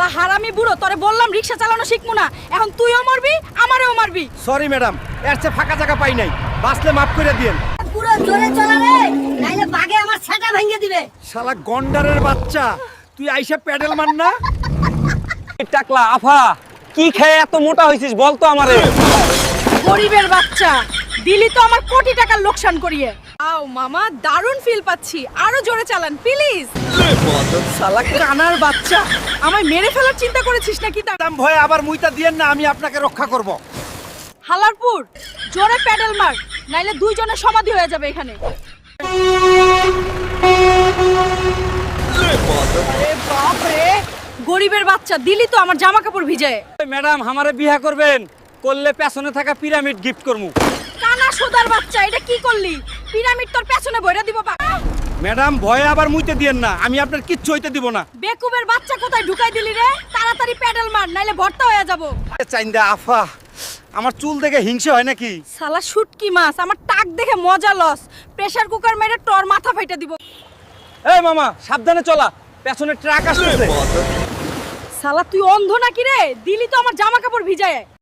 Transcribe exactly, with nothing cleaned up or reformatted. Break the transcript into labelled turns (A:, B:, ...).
A: শালা হারামি বুড়ো, তোরে বললাম রিকশা চালানো শিখমু না, এখন তুইও মারবি আমারেও মারবি।
B: সরি ম্যাডাম, এর চেয়ে ফাঁকা জায়গা পাই নাই, বাসলে মাফ করে দিয়েন।
C: পুরো জোরে চলা রে, নাইলে বাগে আমার ছাটা ভেঙে দিবে।
B: শালা গন্ডারের বাচ্চা, তুই আইসা প্যাডেল মার না।
D: টাকলা আফা, কি খেয়ে এত মোটা হইছিস বলতো আমারে।
A: গরিবের বাচ্চা, দিলি তো আমার কোটি টাকার লোকসান করিয়ে। আও মামা, দারুণ ফিল পাচ্ছি, আরো জোরে চালান প্লিজ।
B: শালা
A: কানার বাচ্চা, আমায় মেরে ফেলার চিন্তা করেছিস নাকি? তা
B: ম্যাডাম ভয়ে আবার মুইতা দিয়েন না, আমি আপনাকে রক্ষা করব।
A: হালারপুর, জোরে প্যাডেল মার, নাইলে দুইজনের সমাধি হয়ে যাবে এখানে। আরে বাপ রে, গরিবের বাচ্চা, দিলি তো আমার জামা কাপড় ভিজায়।
D: ম্যাডাম আমারে বিয়া করবেন, করলে পেছনে থাকা পিরামিড গিফট করমু।
A: কানা সোদার বাচ্চা, এটা কি করলি? পিরামিড তোর পেছনে বইরা দিব বা।
B: ম্যাডাম ভয়ে আবার মুইতে দিয়েন না, আমি আপনার কিচ্ছু হইতে দিব না।
A: বেকুবের বাচ্চা কোথায় ঢুকাই দিলি রে? তাড়াতাড়ি প্যাডেল মার, নাইলে ভর্তা হয়ে যাব।
B: চাইন্দা আফা, আমার চুল দেখে হিংসে হয় নাকি?
A: শালা শুটকি মাছ, আমার টাক দেখে মজা লস। প্রেসার কুকার মেরে তোর মাথা ফাইটা দিব।
D: এই মামা সাবধানে চলা, পেছনে ট্রাক আসছে।
A: শালা তুই অন্ধ নাকি রে? দিলি তো আমার জামা কাপড় ভিজায়।